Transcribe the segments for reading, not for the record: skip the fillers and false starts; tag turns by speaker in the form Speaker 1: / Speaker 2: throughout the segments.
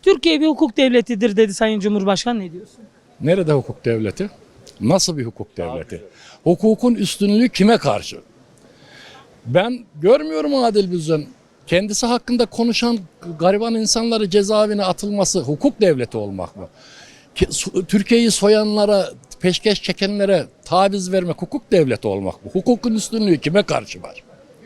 Speaker 1: Türkiye bir hukuk devletidir dedi Sayın Cumhurbaşkanı, ne diyorsun?
Speaker 2: Nerede hukuk devleti? Nasıl bir hukuk devleti? Hukukun üstünlüğü kime karşı? Ben görmüyorum adil bir düzen. Kendisi hakkında konuşan gariban insanları cezaevine atılması hukuk devleti olmak mı? Türkiye'yi soyanlara, peşkeş çekenlere taviz vermek hukuk devleti olmak mı? Hukukun üstünlüğü kime karşı var?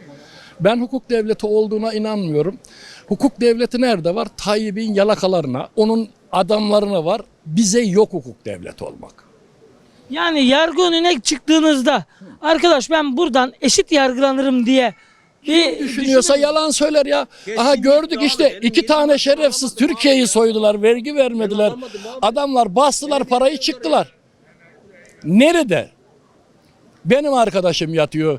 Speaker 2: Ben hukuk devleti olduğuna inanmıyorum. Hukuk devleti nerede var? Tayyip'in yalakalarına, onun adamlarına var. Bize yok hukuk devleti olmak.
Speaker 1: Yani yargı önüne çıktığınızda arkadaş ben buradan eşit yargılanırım diye
Speaker 2: Düşünüyorsa yalan söyler ya. Aha gördük işte iki tane şerefsiz Türkiye'yi soydular, vergi vermediler. Adamlar bastılar parayı çıktılar. Nerede? Benim arkadaşım yatıyor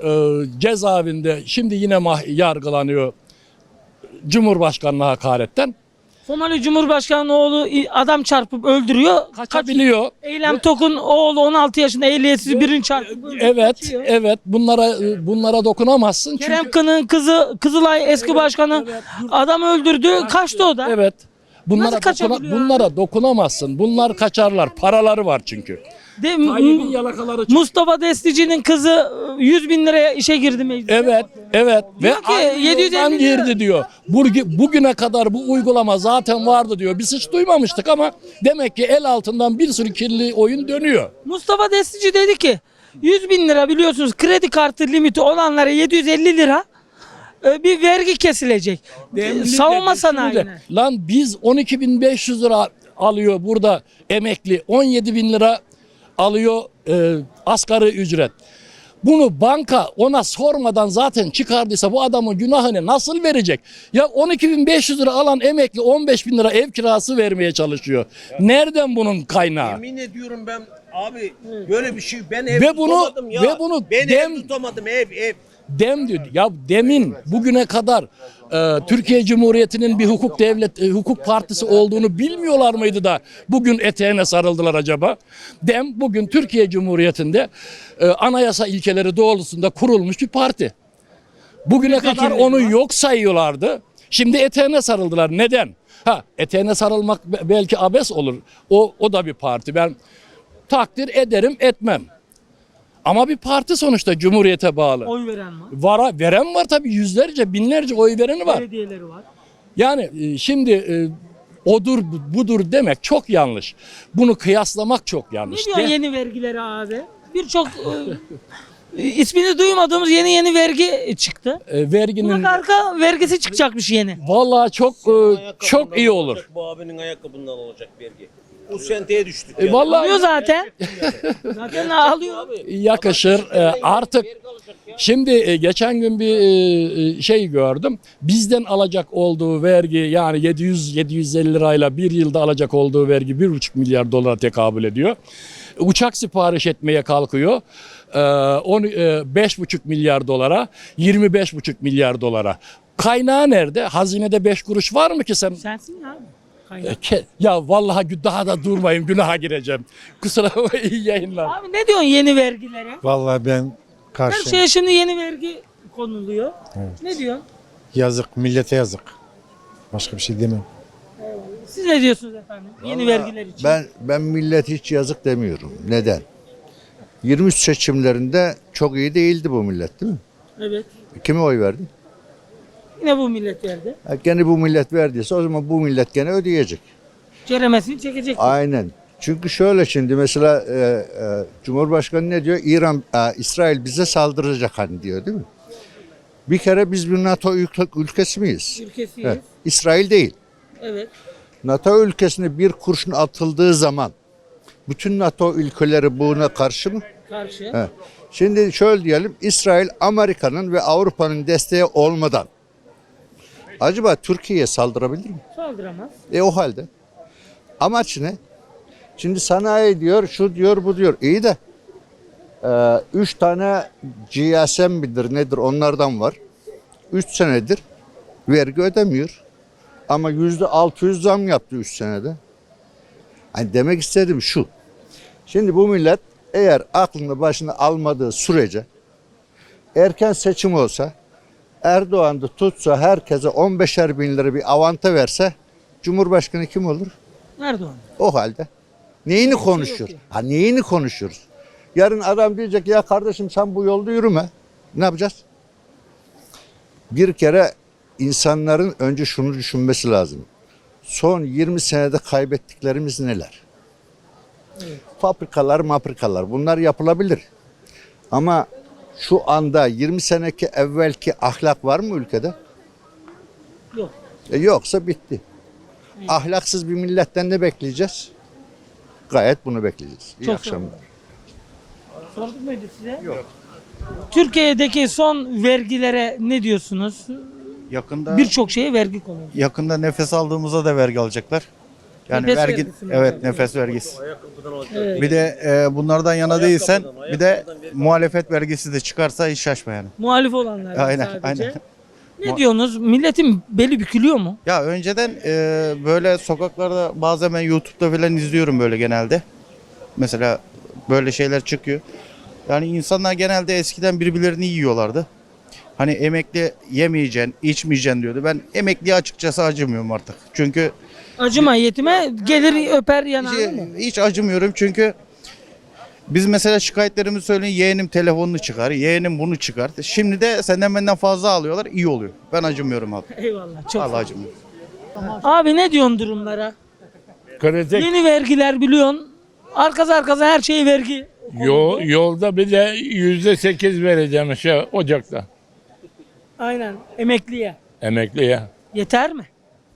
Speaker 2: cezaevinde. Şimdi yine yargılanıyor Cumhurbaşkanlığı hakaretten.
Speaker 1: Somali Cumhurbaşkanı'nın oğlu adam çarpıp öldürüyor.
Speaker 2: Kaçabiliyor.
Speaker 1: Eylem Tok'un oğlu 16 yaşında ehliyetsiz birini çarpıp öldürüyor.
Speaker 2: Evet,
Speaker 1: kaçıyor.
Speaker 2: evet. Bunlara dokunamazsın.
Speaker 1: Kerem
Speaker 2: Çünkü
Speaker 1: Kın'ın kızı Kızılay eski başkanı adam öldürdü, kaçtı o da.
Speaker 2: evet.
Speaker 1: Nasıl kaçabiliyor
Speaker 2: Bunlara dokunamazsın. Bunlar kaçarlar. Paraları var çünkü. Tayyip'in yalakaları çıktı.
Speaker 1: Mustafa Destici'nin kızı 100 bin liraya işe girdi meclise.
Speaker 2: Evet, evet.
Speaker 1: Diyor
Speaker 2: Ve
Speaker 1: ki,
Speaker 2: aynı
Speaker 1: 750
Speaker 2: yoldan
Speaker 1: lira.
Speaker 2: girdi diyor. Bugüne kadar bu uygulama zaten vardı diyor. Biz hiç duymamıştık ama demek ki el altından bir sürü kirli oyun dönüyor.
Speaker 1: Mustafa Destici dedi ki 100 bin lira biliyorsunuz kredi kartı limiti olanlara 750 lira bir vergi kesilecek. Savunma sanayine.
Speaker 2: Lan biz 12.500 lira alıyor burada emekli. 17.000 lira alıyor asgari ücret. Bunu banka ona sormadan zaten çıkardıysa bu adamın günahını nasıl verecek? Ya 12.500 lira alan emekli 15.000 lira ev kirası vermeye çalışıyor. Nereden bunun kaynağı?
Speaker 3: Yemin ediyorum ben abi böyle bir şey ben ev tutamadım ya. Ben ev tutamadım ev.
Speaker 2: Dem diyor. Ya demin bugüne kadar Türkiye Cumhuriyeti'nin bir hukuk partisi olduğunu bilmiyorlar mıydı da bugün eteğine sarıldılar acaba? Dem bugün Türkiye Cumhuriyeti'nde anayasa ilkeleri doğrultusunda kurulmuş bir parti. Bugüne kadar onu yok sayıyorlardı. Şimdi eteğine sarıldılar. Neden? Eteğine sarılmak belki abes olur. O da bir parti. Ben takdir ederim, etmem. Ama bir parti sonuçta Cumhuriyete bağlı.
Speaker 1: Oy veren var.
Speaker 2: Veren var tabii, yüzlerce, binlerce oy vereni var.
Speaker 1: Belediyeleri var.
Speaker 2: Yani şimdi odur budur demek çok yanlış. Bunu kıyaslamak çok
Speaker 1: Ne
Speaker 2: yanlış.
Speaker 1: diyor yeni vergileri abi? Birçok ismini duymadığımız yeni vergi çıktı.
Speaker 2: Verginin
Speaker 1: Kulak arka vergisi çıkacakmış yeni.
Speaker 2: vallahi çok iyi olur.
Speaker 3: Bu abinin ayakkabından olacak vergi. Bu senteye düştük yani.
Speaker 2: Vallahi
Speaker 1: Alıyor zaten. Zaten alıyor.
Speaker 2: yakışır artık. Şimdi geçen gün bir şey gördüm. Bizden alacak olduğu vergi yani 700-750 lirayla bir yılda alacak olduğu vergi 1,5 milyar dolara tekabül ediyor. Uçak sipariş etmeye kalkıyor. 5,5 milyar dolara, 25,5 milyar dolara. Kaynağı nerede? Hazinede 5 kuruş var mı ki sen?
Speaker 1: Sensin ya.
Speaker 2: Ya vallahi daha da durmayayım, günaha gireceğim. Kusura bakma, iyi yayınlar.
Speaker 1: Abi ne diyorsun yeni vergilere?
Speaker 4: Vallahi ben
Speaker 1: Her
Speaker 4: karşı.
Speaker 1: şeye şimdi yeni vergi konuluyor. Ne diyorsun?
Speaker 4: Yazık, millete yazık. Başka bir şey demem.
Speaker 1: Siz ne diyorsunuz efendim? Yeni vergiler için.
Speaker 5: Ben millet hiç yazık demiyorum. Neden? 23 seçimlerinde çok iyi değildi bu millet, değil mi?
Speaker 1: Evet.
Speaker 5: Kime oy verdi?
Speaker 1: Yine bu millet verdi.
Speaker 5: Gene bu millet verdiyse o zaman bu millet gene ödeyecek.
Speaker 1: Ceremesini çekecek.
Speaker 5: Aynen. Çünkü şöyle şimdi mesela Cumhurbaşkanı ne diyor? İsrail bize saldıracak hani diyor, değil mi? Bir kere biz bir NATO ülkesi miyiz?
Speaker 1: Ülkesiyiz.
Speaker 5: İsrail değil.
Speaker 1: Evet.
Speaker 5: NATO ülkesine bir kurşun atıldığı zaman bütün NATO ülkeleri buna karşı mı?
Speaker 1: Karşı.
Speaker 5: He. Şimdi şöyle diyelim, İsrail Amerika'nın ve Avrupa'nın desteği olmadan acaba Türkiye'ye saldırabilir mi?
Speaker 1: Saldıramaz.
Speaker 5: O halde amaç ne? Şimdi sanayi diyor, şu diyor, bu diyor. İyi de 3 tane GSM midir nedir onlardan var. 3 senedir vergi ödemiyor. Ama %600 zam yaptı 3 senede. Hani demek istediğim şu. Şimdi bu millet eğer aklını başına almadığı sürece erken seçim olsa Erdoğan da tutsa herkese 15'er bin lira bir avanta verse Cumhurbaşkanı kim olur?
Speaker 1: Erdoğan.
Speaker 5: O halde. Neyini konuşuyor?
Speaker 1: ki.
Speaker 5: Ha neyini konuşuyoruz? Yarın adam diyecek ya kardeşim sen bu yolda yürüme. Ne yapacağız? Bir kere insanların önce şunu düşünmesi lazım. Son 20 senede kaybettiklerimiz neler? Fabrikalar bunlar yapılabilir. Ama şu anda 20 seneki evvelki ahlak var mı ülkede?
Speaker 1: Yok.
Speaker 5: Yoksa bitti. Ahlaksız bir milletten ne bekleyeceğiz? Gayet bunu bekleyeceğiz. İyi
Speaker 1: Çok
Speaker 5: akşamlar.
Speaker 1: Sorduk muydu size? Yok. Türkiye'deki son vergilere ne diyorsunuz?
Speaker 6: Yakında
Speaker 1: Birçok şeye vergi konuyor.
Speaker 6: yakında nefes aldığımızda da vergi alacaklar. Yani
Speaker 1: Nefes
Speaker 6: vergi
Speaker 1: vergisi mi?
Speaker 6: evet nefes vergisi.
Speaker 1: Evet.
Speaker 6: Bir de bunlardan yana değilsen bir de muhalefet vergisi de çıkarsa hiç şaşma yani.
Speaker 1: Muhalif olanlar
Speaker 6: Aynen,
Speaker 1: sadece.
Speaker 6: aynen.
Speaker 1: Ne diyorsunuz? Milletin beli bükülüyor mu?
Speaker 6: Ya önceden böyle sokaklarda bazen ben YouTube'da falan izliyorum böyle genelde. Mesela böyle şeyler çıkıyor. Yani insanlar genelde eskiden birbirlerini yiyorlardı. Hani emekli yemeyeceksin, içmeyeceksin diyordu. Ben emekliye açıkçası acımıyorum artık. Çünkü
Speaker 1: Acıma yetime gelir öper yanağını mı?
Speaker 6: hiç acımıyorum çünkü biz mesela şikayetlerimizi söyleyin, yeğenim telefonunu çıkar, yeğenim bunu çıkar. Şimdi de senden benden fazla alıyorlar, iyi oluyor. Ben acımıyorum abi.
Speaker 1: Eyvallah. Çok
Speaker 6: Allah
Speaker 1: sağ ol.
Speaker 6: acımıyor.
Speaker 1: Abi ne diyorsun durumlara?
Speaker 2: Kritik
Speaker 1: Yeni vergiler biliyorsun. Arkası her şeye vergi.
Speaker 2: yolda bir de %8 vereceğim Ocak'ta
Speaker 1: Aynen. Emekliye.
Speaker 2: emekliye.
Speaker 1: Yeter mi?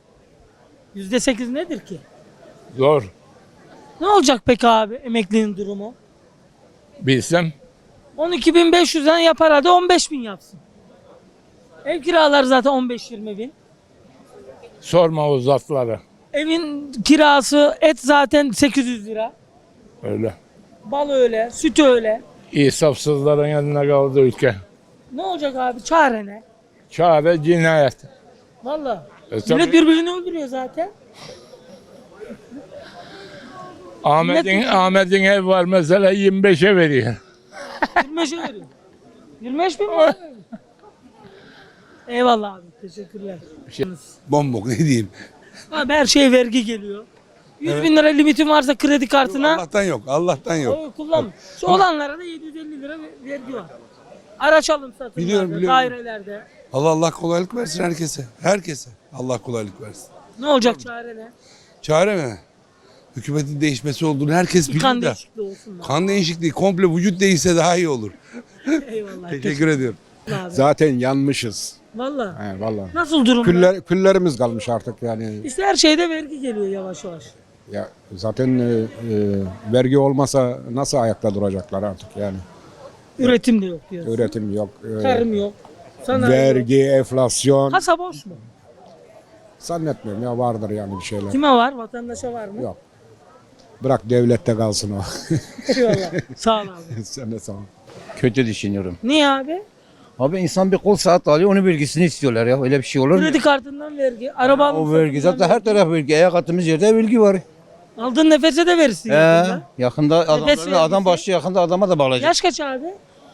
Speaker 1: %8 nedir ki?
Speaker 2: Zor.
Speaker 1: Ne olacak peki abi emeklinin durumu?
Speaker 2: Bilsem
Speaker 1: 12.500'den yapar hadi 15.000 yapsın. Ev kiraları zaten 15-20 bin.
Speaker 2: sorma o zatları.
Speaker 1: Evin kirası et zaten 800 lira.
Speaker 2: Öyle.
Speaker 1: Bal öyle, süt öyle.
Speaker 2: İnsafsızların yanına kaldı ülke.
Speaker 1: Ne olacak abi? Çare ne?
Speaker 2: Çare cinayet.
Speaker 1: Vallahi.
Speaker 2: tabii.
Speaker 1: Millet birbirini öldürüyor zaten.
Speaker 2: Ahmet'in ev var mesela 25'e veriyor.
Speaker 1: 25'e veriyor. 25 bin mi? abi? Eyvallah abi. Teşekkürler.
Speaker 7: Bombok ne diyeyim.
Speaker 1: Abi her şeye vergi geliyor. 100 bin lira limitin varsa kredi kartına
Speaker 7: Allah'tan yok. Allah'tan yok.
Speaker 1: o kullan. Şu olanlara da 750 lira vergi var. Araç alım satımlarda,
Speaker 7: Biliyorum.
Speaker 1: dairelerde.
Speaker 7: Allah kolaylık versin herkese. Herkese. Allah kolaylık versin.
Speaker 1: Ne olacak çare ne?
Speaker 7: Çare mi? Hükümetin değişmesi olduğunu herkes
Speaker 1: Bir
Speaker 7: bilir
Speaker 1: kan
Speaker 7: de.
Speaker 1: değişikliği olsun da.
Speaker 7: Kan değişikliği komple vücut değişse daha iyi olur.
Speaker 1: Eyvallah.
Speaker 7: Teşekkür ediyorum.
Speaker 1: Abi.
Speaker 4: Zaten yanmışız.
Speaker 1: Valla.
Speaker 4: He vallahi.
Speaker 1: Nasıl durumda?
Speaker 4: Küllerimiz kalmış artık yani.
Speaker 1: İşte her şeyde vergi geliyor yavaş yavaş.
Speaker 4: Ya zaten vergi olmasa nasıl ayakta duracaklar artık yani.
Speaker 1: Üretim de yok diyorsun.
Speaker 4: Üretim yok.
Speaker 1: Tarım yok. Sanayi yok.
Speaker 4: Vergi, enflasyon.
Speaker 1: Kasa boş mu?
Speaker 4: Zannetmiyorum ya vardır yani bir şeyler.
Speaker 1: Kime var? Vatandaşa var mı?
Speaker 4: Yok. Bırak devlette kalsın o.
Speaker 1: Eyvallah. Sağ ol abi.
Speaker 4: Sen de sağ ol.
Speaker 8: Kötü düşünüyorum.
Speaker 1: Niye abi?
Speaker 8: Abi insan bir kol saat alıyor, onun vergisini istiyorlar ya. Öyle bir şey olur mu?
Speaker 1: Kredi kartından vergi, araba alım
Speaker 8: O vergi
Speaker 1: satımından
Speaker 8: zaten her taraf vergi. Ayak attığımız yerde vergi var.
Speaker 1: Aldığın nefese de verirsin. yakında.
Speaker 8: Yakında
Speaker 1: vergisi.
Speaker 8: adam başı yakında adama da bağlayacak.
Speaker 1: Yaş kaç abi?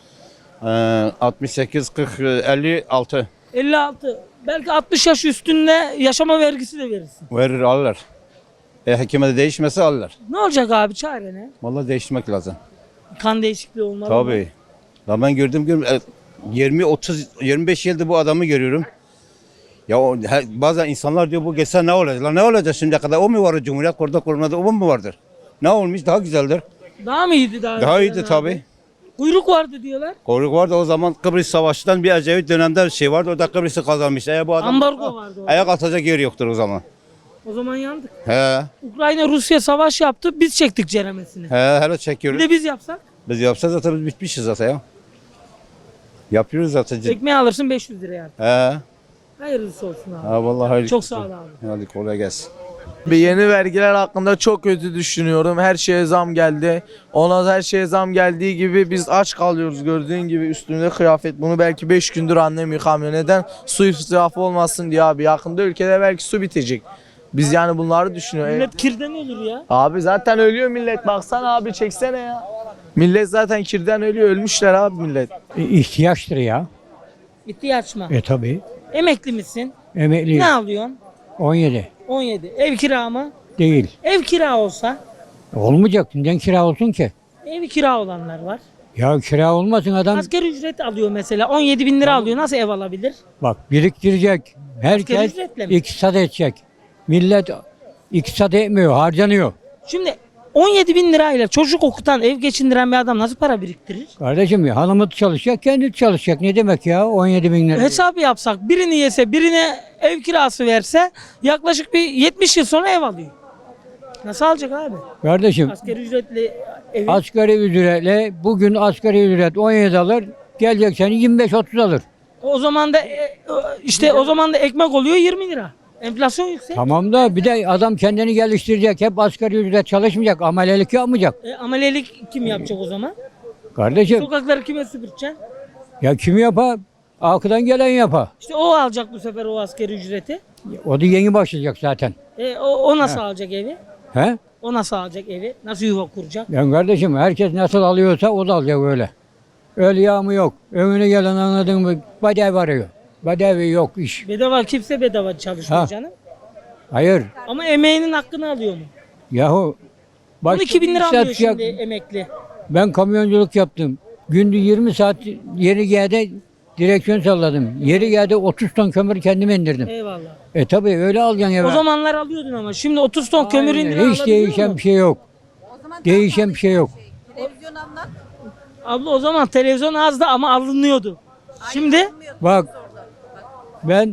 Speaker 8: 68, 40, 56
Speaker 1: 56. Belki 60 yaş üstünde yaşama vergisi de verirsin.
Speaker 8: verir alırlar. Hükümete değişmese alırlar.
Speaker 1: Ne olacak abi çare ne?
Speaker 8: Vallahi değiştirmek lazım.
Speaker 1: Kan değişikliği olmalı mı?
Speaker 8: Tabii. Ya ben gördüm 20, 30, 25 yıldır bu adamı görüyorum. Ya bazen insanlar diyor bu geçse ne olacak? Lan ne olacak şimdiye kadar? O mu var Cumhuriyet kurulmada o mu vardır? Ne olmuş? Daha güzeldir.
Speaker 1: Daha mı iyiydi daha?
Speaker 8: Daha
Speaker 1: önceden
Speaker 8: iyiydi
Speaker 1: abi?
Speaker 8: tabii.
Speaker 1: Kuyruk vardı diyorlar.
Speaker 8: Kuyruk vardı o zaman Kıbrıs Savaşı'ndan bir Ecevit dönemde bir şey vardı. O da Kıbrıs'ı kazanmış. Bu adam
Speaker 1: Ambargo vardı orada.
Speaker 8: ayak atacak yer yoktur o zaman.
Speaker 1: O zaman yandık.
Speaker 8: He.
Speaker 1: Ukrayna Rusya savaş yaptı. Biz çektik ceremesini.
Speaker 8: Hele
Speaker 1: Bir
Speaker 8: çekiyoruz.
Speaker 1: de biz yapsak
Speaker 8: Biz yapsa zaten biz bitmişiz zaten ya. Yapıyoruz zaten.
Speaker 1: ekmeği alırsın 500 liraya artık.
Speaker 8: He.
Speaker 1: Hayırlısı olsun abi.
Speaker 8: Ha vallahi hayırlı
Speaker 1: Çok
Speaker 8: olsun.
Speaker 1: sağ ol abi.
Speaker 8: Hadi kolay gelsin.
Speaker 9: Bir yeni vergiler hakkında çok kötü düşünüyorum. Her şeye zam geldi. Ona her şeye zam geldiği gibi biz aç kalıyoruz gördüğün gibi üstümde kıyafet. Bunu belki 5 gündür annem yıkamıyor. Neden? Su israfı olmasın diye abi. Yakında ülkede belki su bitecek. Biz yani bunları düşünüyoruz.
Speaker 1: Millet kirden ölür ya.
Speaker 9: Abi zaten ölüyor millet. Baksana abi çeksene ya. Millet zaten kirden ölüyor. Ölmüşler abi millet.
Speaker 10: İhtiyaçtır ya.
Speaker 1: İhtiyaç mı?
Speaker 10: Tabii.
Speaker 1: Emekli misin?
Speaker 10: Emekli
Speaker 1: Ne alıyorsun?
Speaker 10: 17.
Speaker 1: 17. Ev kira mı?
Speaker 10: Değil.
Speaker 1: Ev kira olsa
Speaker 10: Olmayacak. Neden kira olsun ki?
Speaker 1: ev kira olanlar var.
Speaker 10: Ya kira olmasın adam.
Speaker 1: Asgari ücret alıyor mesela. 17 bin lira alıyor. Nasıl ev alabilir?
Speaker 10: Bak biriktirecek. Herkes
Speaker 1: ücretle mi?
Speaker 10: iktisat edecek. Millet iktisat etmiyor, harcanıyor.
Speaker 1: Şimdi 17 bin lirayla çocuk okutan, ev geçindiren bir adam nasıl para biriktirir?
Speaker 10: Kardeşim ya hanımı çalışacak, kendi çalışacak. Ne demek ya 17 bin lira?
Speaker 1: Hesap yapsak birini yese birine ev kirası verse yaklaşık bir 70 yıl sonra ev alıyor. Nasıl alacak abi?
Speaker 10: Kardeşim
Speaker 1: Asgari ücretli evi.
Speaker 10: asgari ücretle bugün asgari ücret 17 alır. Gelecek sene 25-30 alır.
Speaker 1: O zaman da işte o zaman da ekmek oluyor 20 lira. Enflasyon yüksek.
Speaker 10: Tamam da bir de adam kendini geliştirecek. Hep asgari ücret çalışmayacak. Amelelik yapmayacak.
Speaker 1: Amelelik kim yapacak o zaman?
Speaker 10: Kardeşim
Speaker 1: Sokakları kime süpüreceksin?
Speaker 10: ya kim yapar? Arkadan gelen yapar.
Speaker 1: İşte o alacak bu sefer o asgari ücreti.
Speaker 10: O da yeni başlayacak zaten.
Speaker 1: O nasıl alacak evi?
Speaker 10: He?
Speaker 1: O nasıl alacak evi? Nasıl yuva kuracak?
Speaker 10: Yani kardeşim herkes nasıl alıyorsa o da alacak öyle. Öyle yağmı yok. Önüne gelen anladın mı? Bedevi arıyor. Bedevi yok iş.
Speaker 1: Bedava kimse bedava çalışmıyor
Speaker 10: Ha.
Speaker 1: canım.
Speaker 10: Hayır.
Speaker 1: Ama emeğinin hakkını alıyor mu?
Speaker 10: Yahu. başka
Speaker 1: 12 bin
Speaker 10: bir
Speaker 1: lira
Speaker 10: iş
Speaker 1: alıyor
Speaker 10: yapacak.
Speaker 1: şimdi emekli.
Speaker 10: Ben kamyonculuk yaptım. Günde 20 saat yeri geldi direksiyon salladım. Yeri geldi 30 ton kömür kendim indirdim.
Speaker 1: Eyvallah.
Speaker 10: Tabii öyle alacaksın eve.
Speaker 1: O zamanlar alıyordun ama şimdi 30 ton kömür
Speaker 10: Aynen,
Speaker 1: indiren
Speaker 10: hiç
Speaker 1: alabiliyor
Speaker 10: değişen
Speaker 1: mu?
Speaker 10: bir şey yok. Değişen bir şey yok.
Speaker 11: Televizyon anlat.
Speaker 1: Abla o zaman televizyon azdı ama alınıyordu. Şimdi
Speaker 10: Bak ben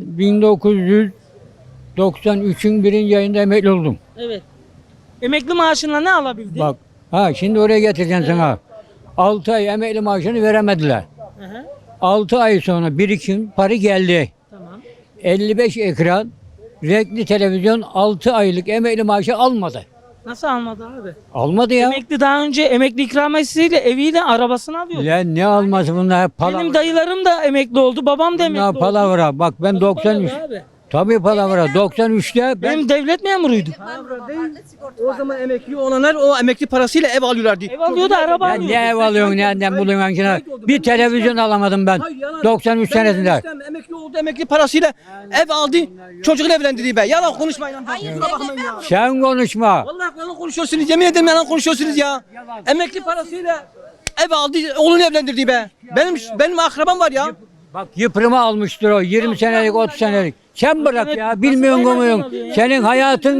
Speaker 10: 1993'ün birinci ayında emekli oldum.
Speaker 1: evet. Emekli maaşınla ne alabildin?
Speaker 10: Bak şimdi oraya getireceğim sana. 6 ay emekli maaşını veremediler.
Speaker 1: Hı hı.
Speaker 10: 6 ay sonra birikim para geldi.
Speaker 1: Tamam.
Speaker 10: 55 ekran renkli televizyon 6 aylık emekli maaşı almadı.
Speaker 1: Nasıl almadı abi?
Speaker 10: Almadı ya.
Speaker 1: Emekli daha önce emekli ikramiyesiyle eviyle arabasını alıyordu.
Speaker 10: Lan ne alması bunlar hep palavra.
Speaker 1: Benim dayılarım da emekli oldu, babam da emekli
Speaker 10: Bunlar
Speaker 1: oldu.
Speaker 10: palavra. Bak ben 93.
Speaker 1: Palavra abi.
Speaker 10: Tabii palavra. 93'te ben
Speaker 1: Benim devlet memuruydu.
Speaker 11: O zaman
Speaker 3: Emekli olanlar o emekli parasıyla ev alıyorlardı.
Speaker 1: Ev alıyordu, araba
Speaker 10: ya
Speaker 1: alıyordu.
Speaker 10: ne ev alıyorsun nereden buluyorsun ki? Bir televizyon alamadım ben. 93 senesinde.
Speaker 3: Emekli oldu, emekli parasıyla ev aldı, çocuğunu evlendirdi be. Yalan konuşmayın.
Speaker 11: Hayır,
Speaker 3: Kusura bakmayın ya.
Speaker 10: Sen konuşma.
Speaker 3: Vallahi yalan konuşuyorsunuz, yemin ederim yalan konuşuyorsunuz ya. Emekli parasıyla ev aldı, oğlunu evlendirdi be. Benim akrabam var ya.
Speaker 10: Bak yıprımı almıştır o 20 senelik 30 senelik. Sen bırak ya bilmiyorsun komuyorsun. Senin hayatın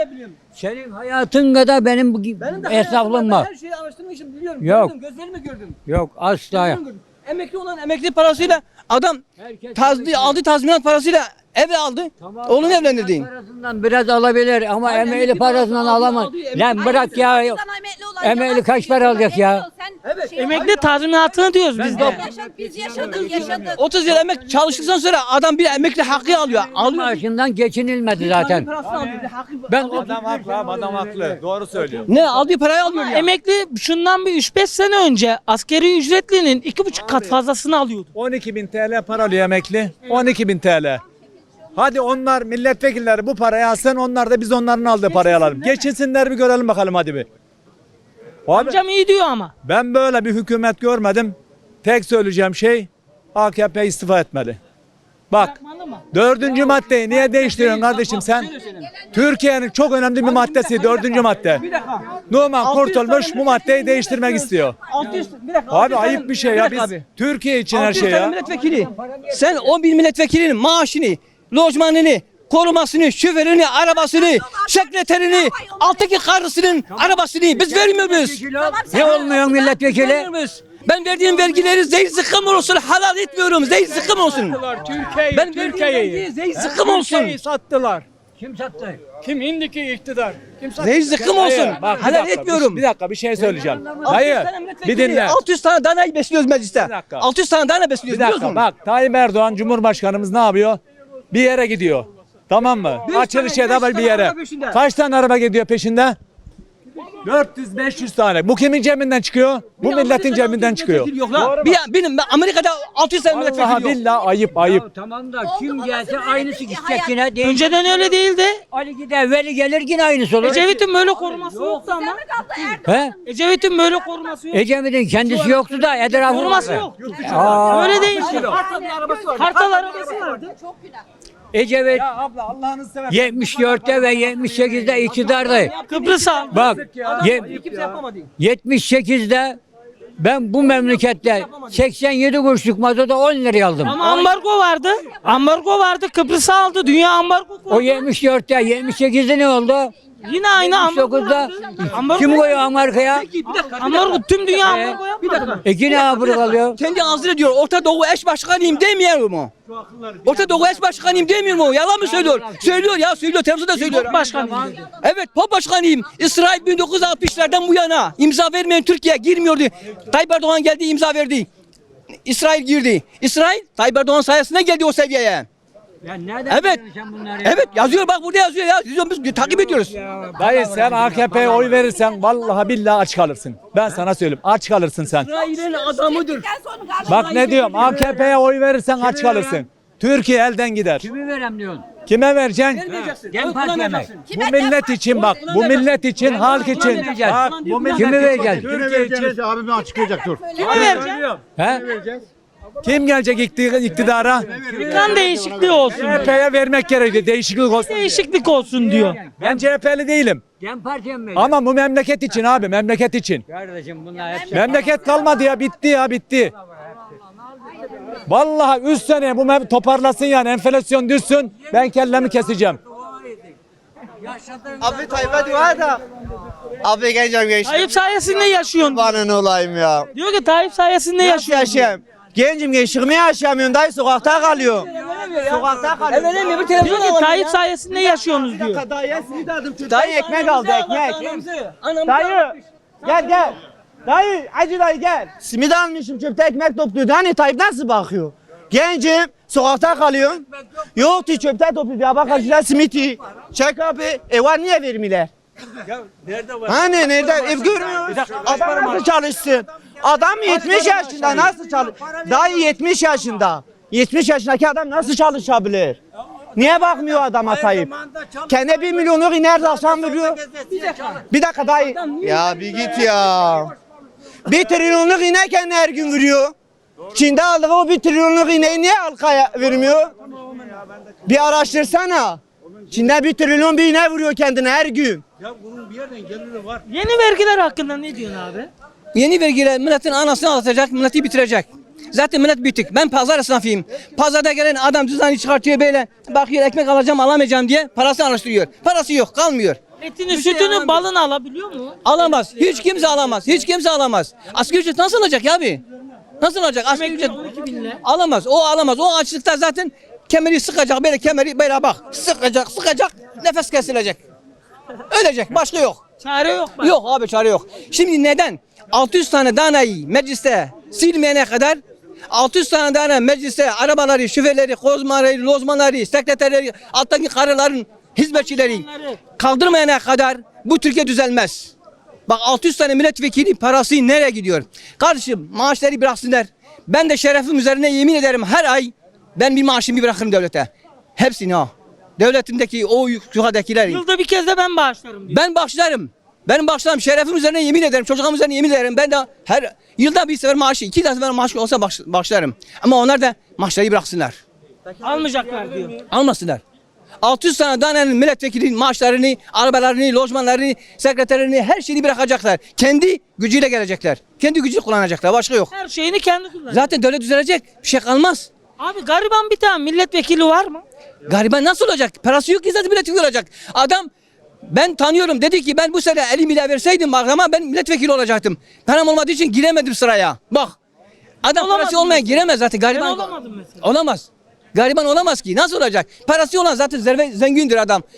Speaker 10: kadar benim bu esnaflığım var.
Speaker 3: Her şeyi araştırmışım, biliyorum.
Speaker 10: Yok.
Speaker 3: Gördüm, gözlerimle gördüm.
Speaker 10: Yok asla.
Speaker 3: Emekli olan emekli parasıyla adam aldı tazminat parasıyla ev aldı. Oğlunu evlendirdi.
Speaker 10: Parasından biraz alabilir ama emekli parasından alamaz. Lan bırak ya. Emekli kaç para alacak ya?
Speaker 1: Emekli tazminatını diyoruz biz de.
Speaker 11: Biz yaşadık.
Speaker 3: 30 yıl emek çalıştıktan sonra adam bir emekli hakkı alıyor.
Speaker 10: Maaşından geçinilmedi zaten. Ben
Speaker 12: Adam haklı. Doğru söylüyor.
Speaker 3: Ne aldığı parayı alıyor ya.
Speaker 1: Emekli şundan bir 3-5 sene önce askeri ücretlinin 2,5 kat fazlasını alıyordu.
Speaker 12: 12.000 TL para alıyor emekli. 12.000 TL. Hadi onlar milletvekilleri bu parayı alsın, onlar da biz onların aldığı parayı alalım. Geçinsinler bir görelim bakalım hadi bir. Abi,
Speaker 1: Amcam iyi diyor ama.
Speaker 12: ben böyle bir hükümet görmedim. Tek söyleyeceğim şey AKP istifa etmeli. Bak
Speaker 1: Bırakmalı mı?
Speaker 12: 4. maddeyi niye değiştiriyorsun kardeşim sen? Türkiye'nin çok önemli bir maddesi 4. madde. Numan Kurtulmuş bu maddeyi değiştirmek istiyor.
Speaker 3: 600 bir dakika.
Speaker 12: Abi ayıp bir şey ya biz Türkiye için her
Speaker 3: 600
Speaker 12: şey
Speaker 3: tane
Speaker 12: ya.
Speaker 3: milletvekili. Sen 11 milletvekilinin maaşını, lojmanını, korumasını, şoförünü, arabasını, sekreterini, alttaki karısının arabasını biz vermiyoruz.
Speaker 10: ne olmuyor milletvekili?
Speaker 3: Vermiyoruz. Ben verdiğim vergileri zehir zıkkım olsun, halal etmiyorum. Zehir zıkkım olsun. Ben verdiğim vergi zehir zıkkım olsun.
Speaker 12: Sattılar.
Speaker 10: Kim sattı?
Speaker 12: Kim indiki iktidar? Kim sattı?
Speaker 3: Zehir zıkkım olsun.
Speaker 12: Hayır, bak, bir
Speaker 3: Halal
Speaker 12: dakika,
Speaker 3: etmiyorum.
Speaker 12: Bir dakika bir şey söyleyeceğim. Hayır.
Speaker 3: 600 tane milletvekili,
Speaker 12: Bir dinle.
Speaker 3: 600 tane dana besliyoruz mecliste.
Speaker 12: Bir dakika.
Speaker 3: 600 tane dana
Speaker 12: Bir
Speaker 3: besliyoruz biliyor
Speaker 12: dakika
Speaker 3: musun?
Speaker 12: bak Tayyip Erdoğan Cumhurbaşkanımız ne yapıyor? Bir yere gidiyor. Tamam mı? Açılış
Speaker 3: tane,
Speaker 12: da
Speaker 3: beş
Speaker 12: bir
Speaker 3: tane
Speaker 12: yere.
Speaker 3: araba peşinde.
Speaker 12: Kaç tane araba gidiyor peşinde? 400-500 tane. Bu kimin cebinden çıkıyor? Bu milletin cebinden çıkıyor.
Speaker 3: Yok la. Benim Amerika'da 600 tane milletvekili
Speaker 12: Vallahi
Speaker 3: yok.
Speaker 12: billahi ayıp ayıp.
Speaker 10: Tamam da kim gelse aynısı gidecek yine.
Speaker 1: Önceden öyle değildi.
Speaker 10: Ali gider, Veli gelir yine aynısı olur.
Speaker 1: Ecevit'in böyle koruması yoktu ama.
Speaker 10: He?
Speaker 1: Ecevit'in böyle koruması yok.
Speaker 10: Ecevit'in kendisi yoktu da etrafı
Speaker 1: Koruması
Speaker 10: vardı.
Speaker 1: yok.
Speaker 10: Aa.
Speaker 1: Öyle değil. Kartal arabası vardı.
Speaker 11: Çok günah.
Speaker 10: Ecevit
Speaker 12: Ya abla Allah'ını seversen.
Speaker 10: 74'te ve 78'de iktidardaydı.
Speaker 1: Kıbrıs aldı.
Speaker 10: Bak
Speaker 3: Kimse yapamadı.
Speaker 10: 78'de ben bu memlekette 87 kuruşluk mazota 10 liraya aldım.
Speaker 1: Ama ambargo vardı. Ambargo vardı. Kıbrıs'ı aldı. Dünya ambargo koydu.
Speaker 10: O 74'te 78'de ne oldu?
Speaker 1: Yine aynı ambargo
Speaker 10: 79'da
Speaker 1: vardı. Ambargo
Speaker 10: kim koyuyor Amerika'ya?
Speaker 1: Ambargo tüm dünya ambargo yapmadı.
Speaker 10: Yine Avrupa kalıyor.
Speaker 3: Kendi ağzıyla diyor Orta Doğu eş başkanıyım demiyor mu? Orta Doğu eş başkanıyım demiyor mu? Yalan mı söylüyor? Söylüyor ya söylüyor. Televizyonda söylüyor.
Speaker 1: Başkanım dedi.
Speaker 3: Evet pop başkanıyım. İsrail 1960'lardan bu yana imza vermeyen Türkiye girmiyordu. Tayyip Erdoğan geldi imza verdi. İsrail girdi. İsrail Tayyip Erdoğan sayesinde geldi o seviyeye.
Speaker 10: Ya nereden
Speaker 3: Evet.
Speaker 10: biliyorsun sen bunları ya?
Speaker 3: Evet yazıyor bak burada yazıyor ya. Biz takip ediyoruz.
Speaker 12: Dayı sen AKP'ye oy verirsen vallahi billahi aç kalırsın. Ben sana söyleyeyim aç kalırsın sen.
Speaker 3: İsrail'in adamıdır.
Speaker 12: Bak ne diyorum AKP'ye oy verirsen aç kalırsın. Türkiye elden gider.
Speaker 10: Kimi verem diyorsun?
Speaker 12: Kime vereceksin?
Speaker 10: Dem Parti'ye mi?
Speaker 12: Bu millet için bak. Bu millet için, halk için. Bak, bu millet
Speaker 10: Kimi
Speaker 12: için,
Speaker 10: vereceksin?
Speaker 12: Türkiye için.
Speaker 8: Abime açıklayacak dur.
Speaker 1: Kime vereceksin?
Speaker 12: He? Kim gelecek iktidara?
Speaker 1: Kan değişikliği olsun.
Speaker 12: CHP'ye vermek gerekiyor. Değişiklik olsun.
Speaker 1: Değişiklik olsun diyor.
Speaker 12: Ben CHP'li değilim.
Speaker 10: Dem Parti'ye mi?
Speaker 12: Ama bu memleket için abi, memleket için.
Speaker 10: Kardeşim bunlar hep
Speaker 12: Memleket kalmadı ya, bitti ya, bitti. Vallahi 3 sene bu toparlasın yani, enflasyon düşsün, ben kellemi keseceğim.
Speaker 6: Abi Tayyip'e dua da. Abi geleceğim gençler.
Speaker 1: Tayyip sayesinde yaşıyorsun.
Speaker 6: Bana ne olayım ya.
Speaker 1: Diyor ki Tayyip sayesinde yaşıyorsun.
Speaker 6: Gencim gençliğimi yaşayamıyorum dayı sokakta kalıyorum. Sokakta kalıyorum.
Speaker 3: Evet bir
Speaker 1: Diyor
Speaker 3: televizyon
Speaker 1: ki
Speaker 3: alalım
Speaker 1: Tayyip
Speaker 3: ya.
Speaker 1: sayesinde yaşıyorsunuz diyor.
Speaker 6: Dayı ekmek aldı ekmek. Dayı gel. Dayı acı dayı gel. Simit almışım çöpte ekmek topluyordu. Hani Tayyip nasıl bakıyor? Gencim sokakta kalıyorum. Yoktu çöpte topluyordu. Ya bak acılar simiti. Çek abi. Var niye vermiyorlar? Hani nerede? Ev görmüyoruz. Adam nasıl çalışsın? Adam 70 yaşında nasıl çalış? Dayı 70 yaşında. 70 yaşındaki adam nasıl çalışabilir? Niye bakmıyor adama Tayyip? Kendi 1 milyonluk nerede akşam veriyor? Bir dakika dayı. Ya bir git ya. 1 trilyonluk inek kendi her gün veriyor. Çin'de aldığı o 1 trilyonluk ineği niye halkaya vermiyor? Bir araştırsana. Çin'de 1 trilyon bir inek vuruyor kendine her gün.
Speaker 1: Yeni vergiler hakkında ne diyorsun abi?
Speaker 3: Yeni vergiler milletin anasını ağlatacak, milleti bitirecek. Zaten millet bitik. Ben pazar esnafıyım. Pazarda gelen adam cüzdanı çıkartıyor böyle. Bakıyor ekmek alacağım alamayacağım diye parasını araştırıyor. Parası yok kalmıyor.
Speaker 1: Etini, sütünü, balını alabiliyor mu?
Speaker 3: Alamaz. Hiç kimse alamaz. Hiç kimse alamaz. Asgari ücret nasıl alacak ya abi? Nasıl alacak? Asgari ücret
Speaker 1: 12.000 lira.
Speaker 3: alamaz. O alamaz. O açlıkta zaten kemeri sıkacak. Böyle kemeri böyle bak. Sıkacak. Nefes kesilecek. Ölecek. Başka yok.
Speaker 1: Çare yok. Bak.
Speaker 3: Yok abi çare yok. Şimdi neden? 600 tane danayı mecliste silmeyene kadar 600 tane tane mecliste arabaları, şoförleri, kozmaları, lozmanları, sekreterleri, alttaki karıların hizmetçileri kaldırmayana kadar bu Türkiye düzelmez. Bak 600 tane milletvekili parası nereye gidiyor? Kardeşim maaşları bıraksınlar. Ben de şerefim üzerine yemin ederim her ay ben bir maaşımı bırakırım devlete. Hepsini ha. Devletimdeki o yukarıdakileri.
Speaker 1: Yılda bir kez de ben bağışlarım diyor.
Speaker 3: Ben bağışlarım. Benim bağışlarım şerefim üzerine yemin ederim. Çocuğum üzerine yemin ederim. Ben de her yılda bir sefer maaşı, 2 sefer maaşı olsa bağışlarım. Ama onlar da maaşları bıraksınlar.
Speaker 1: Almayacaklar diyor.
Speaker 3: Almasınlar. 600 tane danenin milletvekilinin maaşlarını, arabalarını, lojmanlarını, sekreterini, her şeyini bırakacaklar. Kendi gücüyle gelecekler. Kendi gücünü kullanacaklar. Başka yok.
Speaker 1: Her şeyini kendi kullanıyor.
Speaker 3: Zaten devlet düzelecek. Bir şey kalmaz.
Speaker 1: Abi gariban bir tane milletvekili var mı?
Speaker 3: Gariban nasıl olacak? Parası yok ki zaten milletvekili olacak. Adam ben tanıyorum dedi ki ben bu sene 50 milyar verseydim ama ben milletvekili olacaktım. Param olmadığı için giremedim sıraya. Bak. Adam parası olmayan giremez zaten gariban.
Speaker 1: Ben olamadım mesela.
Speaker 3: Olamaz. Gariban olamaz ki. Nasıl olacak? Parası olan zaten zengindir adam.